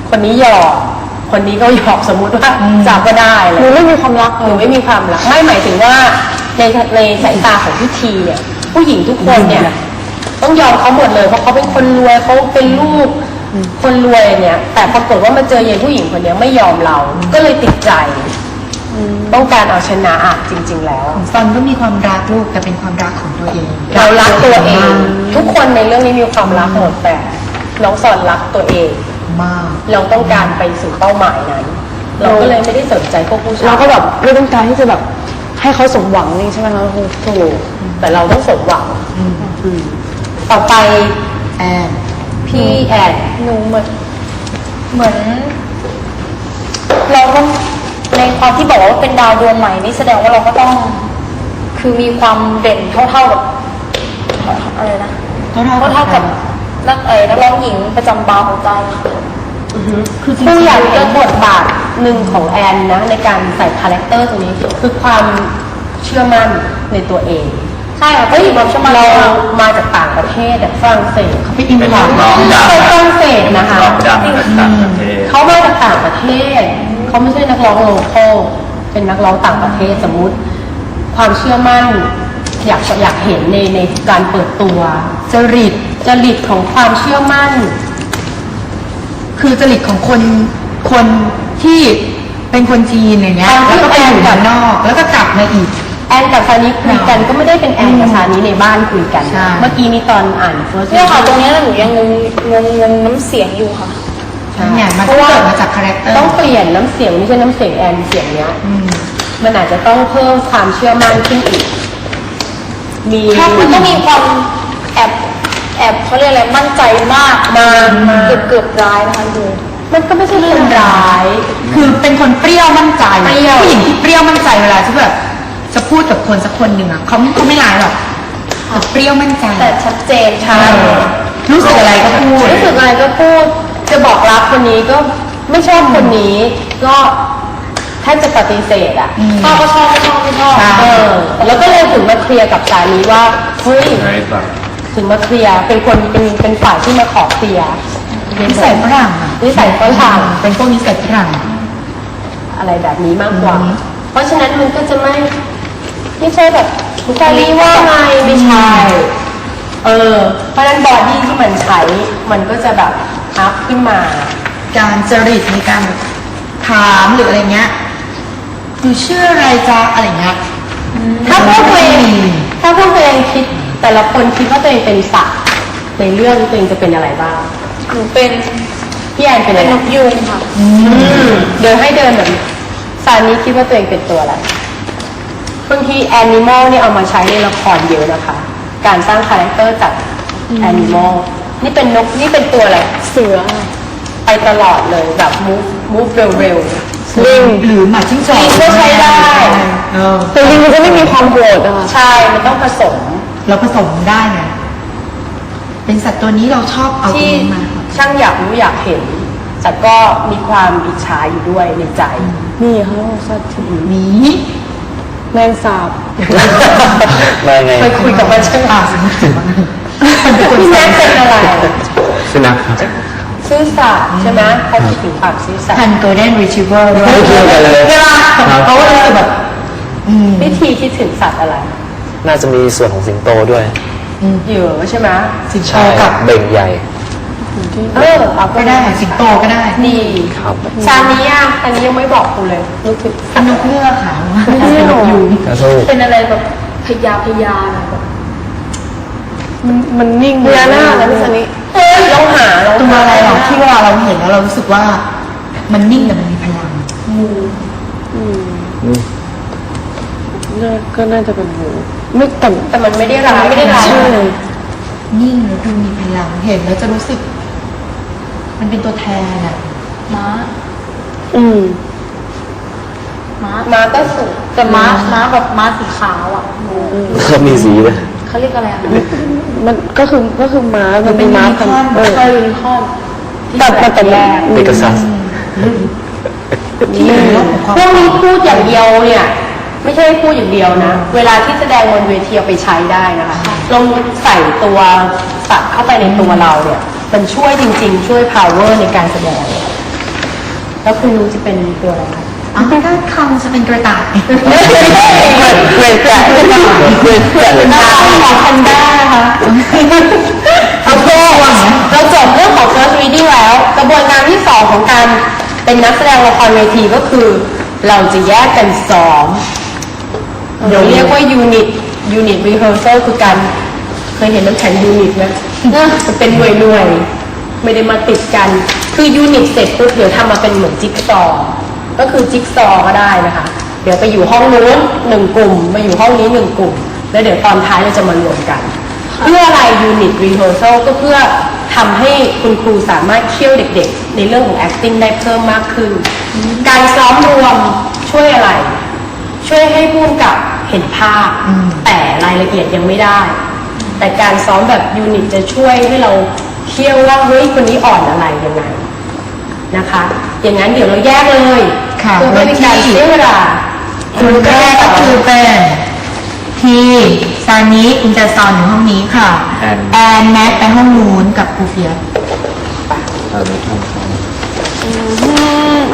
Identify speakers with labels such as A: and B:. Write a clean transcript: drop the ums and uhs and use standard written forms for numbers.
A: คนนี้หยอกคนนี้ก็หยอกสมมุติว่าจับก็ได้เลย
B: หนูไม่มีความรัก
A: หนูไม่มีความรักไม่หมายถึงว่าในสายตาของพี่ทีเนี่ยผู้หญิงทุกคนเนี่ยต้องยอมเขาหมดเลยเพราะเขาเป็นคนรวยเขาเป็นลูกคนรวยเนี่ยแต่ปรากฏว่ามาเจอยายผู้หญิงคนนี้ไม่ยอมเราก็เลยติดใจต้องการเอาชนะจริง ๆ แล้ว
C: ของซอนก็มีความรักลูกแต่เป็นความรักของตัวเอง
A: เรารักตัวเอง ทุกคนในเรื่องนี้มีความรักหมดแต่น้องสอนรักตัวเอง
C: มาก
A: เราต้องการไปสู่เป้าหมายนั้น เราก็เลยไม่ได้สนใจพวกผู้ชาย
B: เราก็แบบไม่ต้องการที่จะแบบให้เขาสมหวังนี่ใช่ไหมคะครู
A: ถูกแต่เราต้องสมหวังต่อไป
C: แอน
A: พี่แอน
D: หนูเหมือนเราก็ในความที่บอกว่าเป็นดาวดวงใหม่นี่แสดงว่าเราก็ต้องคือมีความเด่นเท่ากับอะไรนะเท่ากับนักร้องหญิงประจำบาร์ของใจ
C: คือจริง
A: ผู้อยาก
C: ๆ
A: เห็นบทบาทหนึ่งของแอนนะในการใส่คาแรคเตอร์ตรงนี้คือความเชื่อมั่นในตัวเอง
D: ใช่ค่ะก็อยู่แบบชมา
A: เรา
D: เรา
A: มาจากต่างประเทศฝรั่งเศส
C: เขาไปอินพอร์ต
A: ไปฝรั่งเศสนะคะ
E: ร้องดังจากต่างประเทศ
A: เขามาจากต่างประเทศเขาไม่ใช่นักร้องโลคอลเป็นนักร้องต่างประเทศสมมุติ ความเชื่อมั่นอยากเห็นในการเปิดตัวจริตของความเชื่อมั่น
C: คือจริตของคนที่เป็นคนจีนอย่างเงี้ยแล้วก็ไปอยู่ด้านนอกแล้วก็กลับมาอีก
A: แอนกับซานิคุยกันก็ไม่ได้เป็นแอนกับซานิในบ้านคุยกัน
C: ใช่
A: เมื่อกี้นี้ตอนอ่าน first
D: เนี่ยค่ะตรงนี้หนูยังงงน้ำเสียงอยู่ค่ะ
C: เนี่ยมันก็เกิดมาจากคาแรคเตอร์
A: ต้องเปลี่ยนน้ำเสียงไม่ใช่น้ำเสียงแอนเสียงเนี้ยมันอาจจะต้องเพิ่มความเชื่อมั่นขึ้นอีกมี
D: ถ้าคุณต้องมีความแอบเขาเรียกอะไรมั่นใจมากเกือบร้ายนะคะดู
A: มันก็ไม่ใช่เรื่องร้าย
C: คือเป็นคนเปรี้ยวมั่นใจ
A: เปรี้ยว
C: ผู้หญิงที่เปรี้ยวมั่นใจเวลาที่แบบจะพูดกับคนสักคนหนึ่งอ่ะเขาไม่ร้ายหรอกแต่เปรี้ยวมั่นใจ
D: แต่ชัดเจน
A: ใช่
C: รู้สึกอะไรก็พูด
A: รู้สึกอะไรก็พูดจะบอกรักคนนี้ก็ไม่ชอบคนนี้ก็แทบจะปฏิเสธอ่ะ
D: ชอบก็ชอบไม่ชอบไม่ชอบ
A: แล้วก็เลยถึงมาเคลียร์กับสามีว่าเฮ้ย
E: ไงบ้าง
A: ถึงมาเคลียร์เป็นฝ่ายที่มาขอเคลียร์
C: นิสัยฝรั่งอ่ะ
A: นิสัยฝรั่ง
C: เป็นพวกนิสัยฝรั่ง
A: อะไรแบบนี้มากกว่า เพราะฉะนั้นมันก็จะไม่ใช่แบบซาลีว่าไงไม่ใช่เพราะฉะนั้นบอดี้ที่มันใช้มันก็จะแบบอัพขึ้นมา
C: การจริตในการถามหรืออะไรเงี้ยคือชื่ออะไรจ๊ะอะไรเงี้ย
A: ถ้าพวกตัวเองคิดแต่ละคนคิดว่าตัวเองเป็นสัตว์ในเรื่องตัวเองจะเป็นอะไรบ้าง
D: หนูเป็น
A: พี่แอนเป็นอะไร
D: นกยูงค่ะ
A: เดินให้เดินแบบซานี้คิดว่าตัวเองเป็นตัวอะไรบางทีแอนิมอลนี่เอามาใช้ในละครเยอะนะคะ การสร้างคาแรคเตอร์จากแอนิมอลนี่เป็นนกนี่เป็นตัวอะไร
B: เสือ
A: ไปตลอดเลยแบบ move เร็ว
C: ลิงหรือหมาจิ้งจอก
A: ลิงก็ใช้ได้
B: แต่ลิงมันจะไม่มีความโหดอะค่ะ
A: ๆใช่มันต้องผสม
C: เราผสมได้ไงเป็นสัตว์ตัวนี้เราชอบเอาตัว
A: ที่
C: นี้มา
A: ช่างอยากรู้อยากเห็น แต่ก็มีความอิจฉาอยู่ด้วยในใจ
B: นี่เขาสัตว์ที่
C: หมี
B: แมงสาบ
E: มาไง
A: ไปคุยกับมันใช่ไหม
C: เป็นคน
A: พี่แม็กเป็นอะไร
E: สุนัขครับ
A: ซื่อสัตย์ใช่ไหมเขาคิดถึงความซื่อสัต
C: พัน
A: ย์
C: โกลเด้นรีทรีเวอร์ด้วย
E: ไม่เกี่ยวกันเลย
C: เวลาเขาก็รู้สึกแบบ
A: วิธีคิดถึงสัตว์อะไร
E: น่าจะมีส่วนของสิงโตด้วย
A: เหยื่อใช่ไหม
C: สิงโต
E: ใช่
C: กับ
E: เบ่งใหญ่
A: เอา
C: ก็ได้สิงโตก็ได้
A: นี่
E: ครับ
A: ซานี้อ่ะอันนี้ยังไม่บอกกูเลยนึกถึง
C: เป็นนกเงือกค่ะเป็นนกยูง
E: กระสู้
A: เป็นอะไรแบบ
D: พยาแบบ
B: มันนิ่ง
A: พญานาคนะพี่ซานี้ลองหา
C: ตัวอะไรหรอกที่เวลาเราเห็นแล้วเรารู้สึกว่า มันนิ่งแต่มันมีพลัง
B: ก็น่าจะเป็นหูไม่แต่
A: แต่มันไม่ได้ร้ายไม่ได้ร้าย
B: ใช่
C: นิ่งแล้วดูมีพลังเห็นแล้วจะรู้สึก มันเป็นตัวแทนอะ
D: ม้า
B: อืม
A: มาก็สุด
D: แต่ม้าแบบม้าสีขาวอ่ะหนู
E: เขามีสีเลย
D: เขาเรียกอะไรอ่ะ
B: มันก็คือม้ามันเป็นม้าพันธุ์
D: ไทยยูนิคอร์น
B: แต่แรก
E: เปกัสซัส
C: ที่อยู่ในโลกของความ
A: พวกนี้พูดอย่างเดียวเนี่ย ไม่ใช่พูดอย่างเดียวนะ เวลาที่แสดงบนเวทีเอาไปใช้ได้นะคะลองใส่ตัวสัตว์เข้าไปในตัวเราเนี่ย มันช่วยจริงๆ ช่วย power ในการแสดงแล้วคุณรู้จะเป็นตัวอะไรคะ
C: อ๋อก็คำจะเป็นกระต่าย
A: เกรดแกะหน้าของแพนด้าค่ะโอเคเราจบเรื่องของ first reading แล้ว กระบวนการที่สองของการเป็นนักแสดงละครเวทีก็คือ เราจะแยกกันซ้อมเดี๋ยวเรียกว่า unit rehearsal คือการเคยเห็นน้ำแข็ง unit ไหมจะเป็นหน่วยไม่ได้มาติดกัน คือ unit เสร็จปุ๊บเดี๋ยวทำมาเป็นเหมือนจิ๊กซอว์ก็คือจิ๊กซอว์ก็ได้นะคะ เดี๋ยวไปอยู่ห้องนู้นหนึ่งกลุ่มมาอยู่ห้องนี้หนึ่งกลุ่ม แล้วเดี๋ยวตอนท้ายเราจะมารวมกัน เพื่ออะไร unit rehearsal ก็เพื่อทำให้คุณครูสามารถเคี่ยวเด็กๆ ในเรื่องของ acting ได้เพิ่มมากขึ้น การซ้อมรวมช่วยอะไร ช่วยให้ผู้กำกับเห็นภาพ แต่รายละเอียดยังไม่ได้ แต่การซ้อมแบบยูนิตจะช่วยให้เราเคี่ยวว่าเฮ้ยคนนี้อ่อนอะไรยังไงนะคะ อย่างนั้นเดี๋ยวเราแยกเลย
C: ค่ะ
A: เพื่อไม่เป็นการเสียเวลา
C: คนแรกก็คือเป็นทีซานิคุณจะสอนอยู่ห้องนี้ค่ะ แอนแม็กไปห้องนู้นกับครูเฟียส